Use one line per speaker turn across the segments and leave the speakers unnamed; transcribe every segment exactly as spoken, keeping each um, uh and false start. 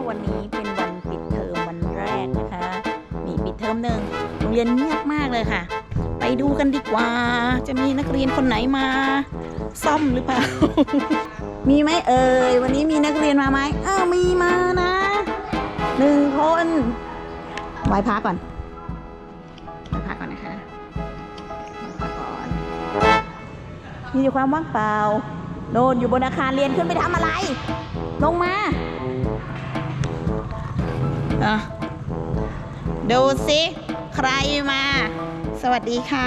วันนี้เป็นวันปิดเทอมวันแรกนะคะมีปิดเทอมหนึ่งโรงเรียนเงียบมากเลยค่ะไปดูกันดีกว่าจะมีนักเรียนคนไหนมาซ่อมหรือเปล่า มีไหมเอ่ยวันนี้มีนักเรียนมาไหมอ้าวมีมานะหนึ่งคนไหว้พระก่อนไหว้พระก่อนนะคะไหว้พระก่อนมีอยู่ความว่างเปล่าโน่นอยู่บนอาคารเรียนขึ้นไปทำอะไรลงมาอ่ะดูสิใครมาสวัสดีค่ะ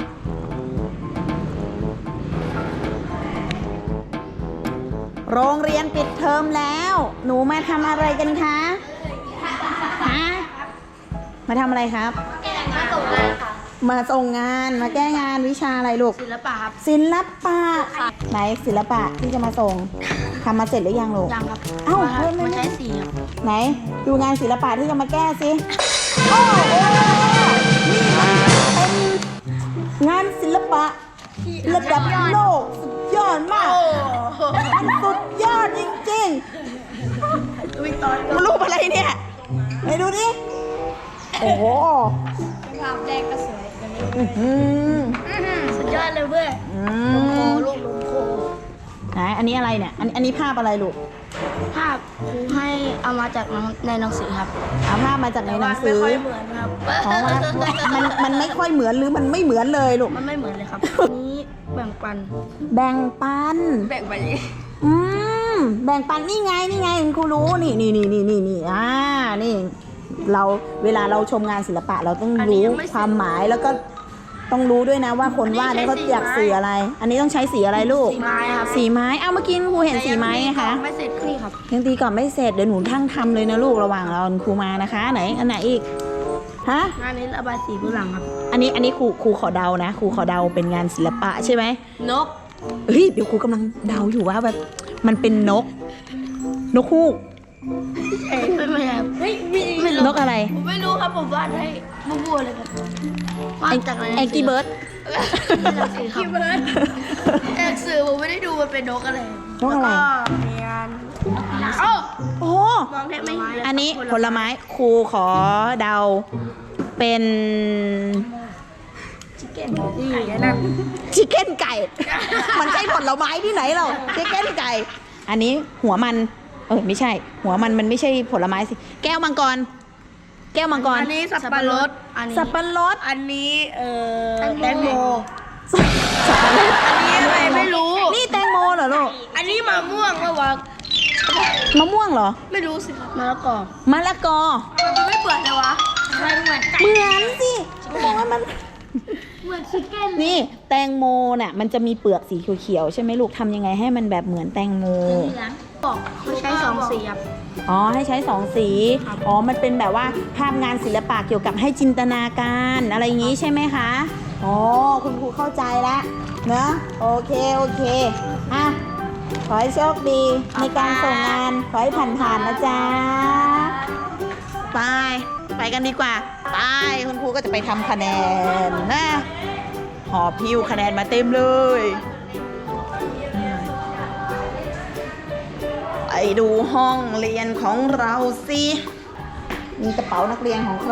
โรงเรียนปิดเทอมแล้วหนูมาทำอะไรกันคะฮะมาทำอะไรครับ
มาส่งงานค่ะ
มาส่งงานมาแก้งานวิชาอะไรลูก
ศิลปะครับ
ศิลปะไหนศิลปะที่จะมาส่งทำมาเสร็จหรือยังลูก
ยังครับ
เอ้า
ไม่ใช้สีครับ
ไหนดูงานศิลปะที่จะมาแก้สิโอ้โหนี่มันเป็นงานศิลปะระดับโลกสุดยอดมากมันสุดยอดจริงๆมันรูปอะไรเนี่ยไหนดูดิโอ้โห
ภาพแรกก็สวยกันเลยสุดยอดเลยเว้ยลมโคลูกลมโค
ไหนอันนี้อะไรเนี่ยอันอันนี้ภาพอะไรลูก
ภาพครูให้เอามาจากในหนังสือครับ
เอาภาพมาจากในหนังสือ
ไม่ค่อยเหมือนครับ
อ๋อมันมันไม่ค่อยเหมือนหรือมันไม่เหมือนเลยลูก
มันไม่เหมือนเลยครับนี้แบ่งปัน
แบ่งปัน
แบ่งปัน
อืมแบ่งปันนี่ไงนี่ไงคุณครูรู้นี่นี่นี่นี่นี่นี่อ่านี่เราเวลาเราชมงานศิลปะเราต้องรู้ความหมายแล้วก็ต้องรู้ด้วยนะว่าคนวาดนี่เขาอยากสื่ออะไรอันนี้ต้องใช้สีอะไรลูก
สีไม้ครับ
สีไม้เอาเมื่อกี้ครูเห็นสีไม้ไงคะ
ไม่เสร็จนี่ครับ
ยังตีก่อนไม่เสร็จเดี๋ยวหนูทั้งทำเลยนะลูกระหว่างเราครูมานะคะไหนอันไหนอีกฮะ
งานนี้ระบายสีเบื้องหลังครับ
อันนี้อันนี้ครูครูขอเดานะครูขอเดาเป็นงานศิลปะใช่ไหม
นก
เฮ้ยเดี๋ยวครูกำลังเดาอยู่ว่าแบบมันเป็นนกนกฮูก
ไม่ไม่ครับเฮ้ย
นกอะไร
ผมไม่รู้ครับผมวาดให้บัวๆเลยครับวาดจากอะไร
แองกี้เบิร์ด
แองกี้เบิร์ดแอกสื่อผมไม่ได้ดูมันเป็นนกอะไร
นกอะไร
มีงาน
โอ้โห
มองแทบไม่เห็น
อันนี้ผลไม้ครูขอเดาเป็น
ชิคเก้นนี่นะ
ชิคเก้นไก่มันใช่ผลไม้ที่ไหนหรอชิคเก้นไก่อันนี้หัวมันเออไม่ใช่หัวมันมันไม่ใช่ผลไม้สิแก้วมังกรแก้วมังกร
อันนี้สับปะรด
สับปะรด
อันนี้เอ่อแตงโม
สับปะรด
อันนี้อะไรไม่รู้
นี่แตงโมเหรอลูก
อันนี้มะม่วงป่ะวะ
มะม่วงเหรอ
ไม่รู้สิครับมะละกอ
มะละกอ
มันไม่เปื่อยเลยวะมันเหมือน
เหมือนสิบอกว่ามัน
เหมือนชิคเก้น
นี่แตงโมน่ะมันจะมีเปลือกสีเขียวๆใช่ไหมลูกทำยังไงให้มันแบบเหมือนแตงโม
บอกเขาใช้สองสีครับ
อ๋อให้ใช้สองสีอ๋อมันเป็นแบบว่าภาพงานศิลปะเกี่ยวกับให้จินตนาการอะไรอย่างนี้ใช่ไหมคะอ๋อคุณครูเข้าใจแล้วเนอะโอเคโอเคอ่ะขอให้โชคดีในการส่งงานขอให้ผ่านๆนะจ๊ะไปไปกันดีกว่าไปคุณครูก็จะไปทำคะแนนนะหอบพิ้วคะแนนมาเต็มเลยไปดูห้องเรียนของเราสิมีกระเป๋านักเรียนของใคร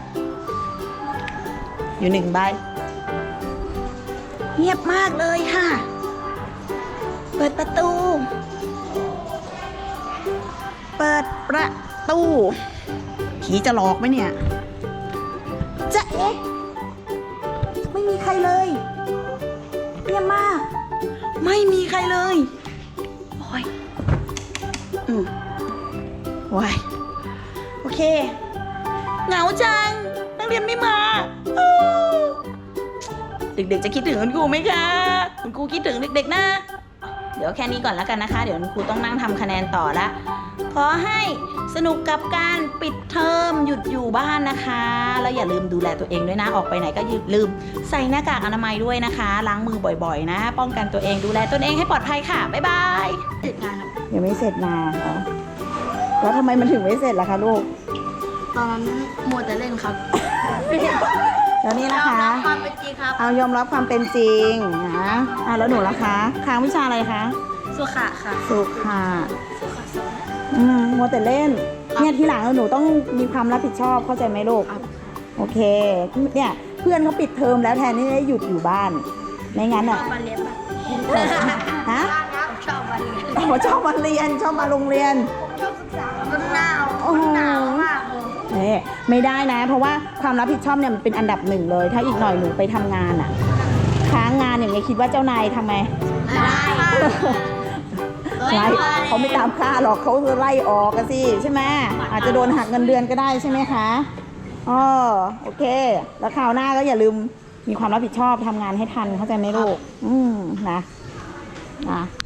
อยู่หนึ่งใบเงียบมากเลยค่ะเปิดประตูเปิดประตูผีจะหลอกไหมเนี่ยจะเอ๊ะไม่มีใครเลยเงียบมากไม่มีใครเลยโอ้ยอืมว้ายโอเคเหงาจังนักเรียนไม่มาเด็กๆจะคิดถึงคุณครูไหมคะคุณครูคิดถึงเด็กๆนะเดี๋ยวแค่นี้ก่อนแล้วกันนะคะเดี๋ยวคุณครูต้องนั่งทำคะแนนต่อละขอให้สนุกกับการปิดเทอมหยุดอยู่บ้านนะคะแล้วอย่าลืมดูแลตัวเองด้วยนะออกไปไหนก็อย่าลืมใส่หน้ากากอนามัยด้วยนะคะล้างมือบ่อยๆนะป้องกันตัวเองดูแลตนเองให้ปลอดภัยค่ะบ๊ายบาย
เสร็จงานครับ
ยังไม่เสร็จงานเหรอแล้วทำไมมันถึงไม่เสร็จล่ะคะลูก
ตอนนั้นมัวแต่เล่นครับ
แล้วนี่นะคะ
ยอมรับความเป็นจริงครับ
เอายอมรับความเป็นจริงนะอ่ะแล้วหนูล่ะคะค้างวิชาอะไรคะ
สุขะค่ะ
สุขะอืมมัวแต่เล่นเนี่ยทีหลังหนูต้องมีความรับผิดชอบเข้าใจไหมลูกโอเคเนี่ยเพื่อนเขาปิดเทอมแล้วแทนที่จะหยุดอยู่บ้านไม่งั้น
ช
อ่ะ
อบมาเรียนแบบ
ฮะ
ชอบมาเรียน
อ๋อชอบมาเรียนชอบมาโรงเรียน
ผมชอบศึกษามันหนาว
โอ้โห
มันหนาวมากเลย
นี่ไม่ได้นะ เพราะว่าความรับผิดชอบเนี่ยมันเป็นอันดับหนึ่งเลย ถ้าอีกหน่อยหนูไปทำงานอ่ะค้างงานอย่างเงี้ยคิดว่าเจ้านายทำไม
ได้
ไล่เขาไม่ตามค่าหรอกเขาจะไล่ออกกันสิใช่ไหมอาจจะโดนหักเงินเดือนก็ได้ใช่ไหมคะอ๋อโอเค แล้วคราวหน้าก็อย่าลืมมีความรับผิดชอบทำงานให้ทันเข้าใจไหมลูกอืมนะนะ